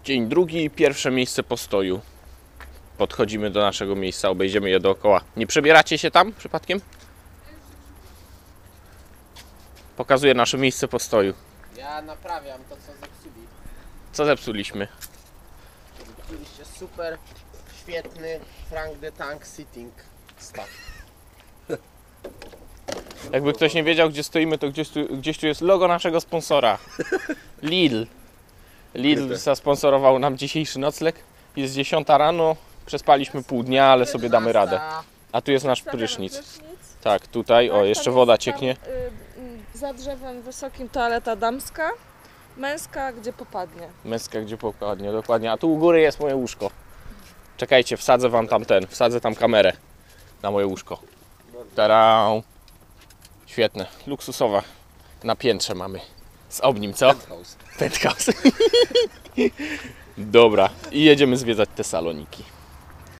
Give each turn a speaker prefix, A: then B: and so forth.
A: Dzień drugi, pierwsze miejsce postoju. Podchodzimy do naszego miejsca, obejdziemy je dookoła. Nie przebieracie się tam przypadkiem? Pokazuję nasze miejsce postoju.
B: Ja naprawiam to, co zepsuli.
A: Co zepsuliśmy?
B: Zepsuliście super, świetny Frank the Tank sitting staw.
A: Jakby ktoś nie wiedział, gdzie stoimy, to gdzieś tu jest logo naszego sponsora. Lidl. Lidl zasponsorował nam dzisiejszy nocleg. Jest 10 rano, przespaliśmy pół dnia, ale sobie damy radę. A tu jest nasz prysznic. Tak, tutaj, o, jeszcze woda cieknie.
C: Za drzewem wysokim toaleta damska, męska gdzie popadnie.
A: Męska, gdzie popadnie, dokładnie. A tu u góry jest moje łóżko. Czekajcie, wsadzę tam kamerę na moje łóżko. Tarau. Świetne, luksusowe. Na piętrze mamy. Z obnim, co? Penthouse. Dobra, i jedziemy zwiedzać te saloniki.